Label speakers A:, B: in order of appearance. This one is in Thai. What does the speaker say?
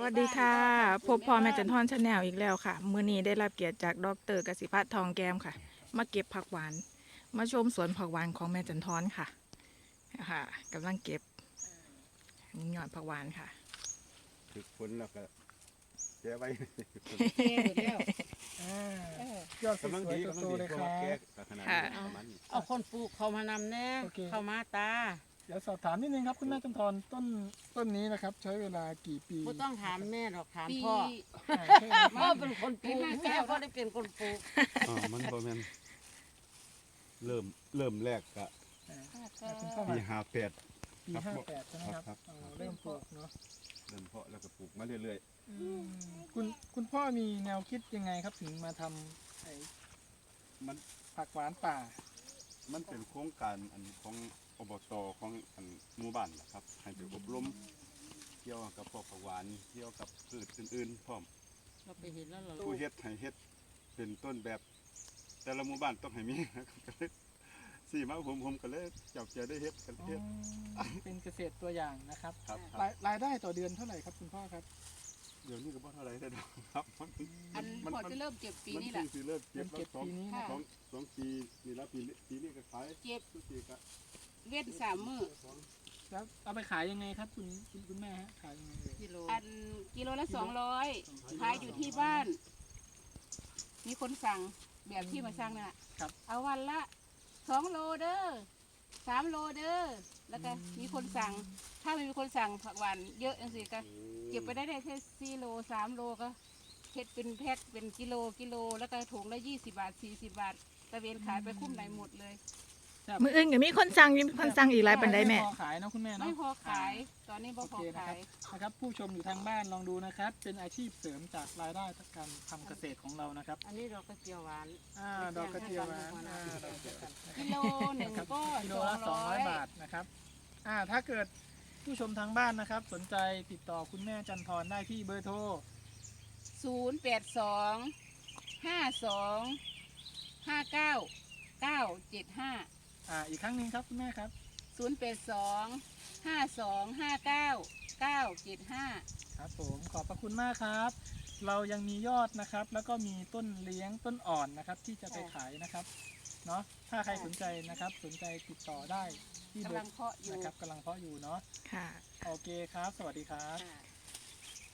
A: วัสดีค่ะพบพ่อแม่จันทร์ชาแนลอีกแล้วค่ะมื้อนี้ได้รับเกียรติจากดร.กสิพัฒน์ทองแก้มค่ะมาเก็บผักหวานมาชมสวนผักหวานของแม่จันทร์ค่ะกำลังเก็บยอดผักหวานค่ะ
B: ถึกฝนแล้วก็แก้ไว้
C: เท่หมดแล้ว
D: ยอดส
B: กำลัง
D: ว
B: ดี
D: ย
B: กำลัง
D: โต
B: ดี
D: ๆเลย
B: เพ
D: ค
B: ราะ
D: รั
B: ว่า
D: บ
B: แก้ขนาดนี้ประมาณนี้
C: เอาคนปลูกเขามานำแน่
D: โอเค
C: เข้ามาตา
D: เดี๋ยวสอบถามนิดนึงครับคุณแม่จันทร์ต้นนี้นะครับ ใช้เวลากี่ปี
C: ไม่ต้องถามแม่หรอกถาม
E: ปี
C: พ่อ
D: ใช่ไหมค
C: พ่อ
D: รับ
C: เป็นคนปลูกแม่ก็ได้เป็นคนปลูก
B: มันบ่แม่นเริ่มแรกก็
D: คุณพ่อ
B: ปี
D: มา
B: 58
D: ปี
B: ครับ
D: 58ใช่ไหมครับ
B: ครับ
D: เริ่มปลูกเนาะ
B: เริ่มเพาะแล้วก็ปลูกมาเรื่อย
D: คุณพ่อมีแนวคิดยังไงครับถึงมาทำไอ้
B: ๆมัน
D: ผักหวานป่า
B: มันเป็นโครงการอันของอบตของอันหมู่บ้านนะครับ ให้ไปอบรมเกี่ยวกับพวกผักหวานเกี่ยวกับพืชอื่นๆพร้อม
C: เราไปเห็นแล้วเรา
B: ผู้เฮ็ดให้เฮ็ดเป็นต้นแบบ แต่ละหมู่บ้านต้องให้มีนะครับก็เลยสี่มาผมก็เลยจับเจอได้เฮ็ดกัน
D: อ๋อ
B: เฮ็ด
D: เป็นเกษตรตัวอย่างนะครับ
B: ครับ
D: รายได้ต่อเดือนเท่าไหร่ครับคุณพ่อครับ
B: เดี๋ยวนี้ก็บ่เท่าไหรได้ดอกครับ
E: อันพอจะเริ่มเก็บปี
B: มัน
E: นี้แหละ
B: สิเริ่มเก็บ
D: เก็บปีนี้นะ
B: สองปีนี่แล้วปีนี้ก็ขาย
E: เก็บ
B: ทุกปีก็
E: เว้น3 มื้อ
D: แล้วเอาไปขายยังไงครับคุณแม่ฮะขายยังไงเลย
C: กิโล
E: อันกิโลละ200ขายอยู่ที่บ้าน มีคนสั่งแบบที่มาสั่งนั่นแหละเอาวันละ2 โลเด้อ3 โลเด้อแล้วก็มีคนสั่ง ถ้าไม่มีคนสั่งผักหวานเยอะจังสิก็เก็บไปได้แค่4 โล3 โลก็เฮ็ดเป็นแพ็คเป็นกิโลแล้วก็ถุงละ20 บาท40 บาทตะเวนขายไปคุ้มไหนหมดเลย
A: มื้ออื่นก็มีคนสั่งอีกหลายปันไดแม่
D: พอขายเนาะคุณแม่เนาะ
E: ไม่พอขายตอนนี้บ่พอ
D: โอเคนะ
E: ขา
D: ครับ
E: ย
D: นะครับผู้ชมอยู่ทางบ้านลองดูนะครับ เป็นอาชีพเสริมจากรายได้จากการทำเกษตรของเรานะครับ
C: อันนี้เราก็เจียวหวาน
D: ดอกกระเจียวหวานดอกกระเจียวหวาน
E: กิโลหนึ่ง
D: นะครับ
E: ก็
D: กิโลละ200 บาทนะครับถ้าเกิดผู้ชมทางบ้านนะครับ สนใจติดต่อคุณแม่จันทร์ได้ที่เบอร์โทร
E: 082 52 59 975
D: อีกครั้งหนึ่งครับคุณแม่ครับ
E: 082 52 59 975
D: ครับผมขอบพระคุณมากครับ เรายังมียอดนะครับ แล้วก็มีต้นเลี้ยงต้นอ่อนนะครับ ที่จะไปขายนะครับเนาะถ้าใครสนใจนะครับ สนใจติดต่อได้ที่เบ
E: กำ
D: อ
E: ลัง
D: ร์
E: เพาะอยู่
D: นะครับกำลังเพาะอยู่เนาะ
A: ค่ะ
D: โอเคครับ สวัสดีครับ
E: ค่ะ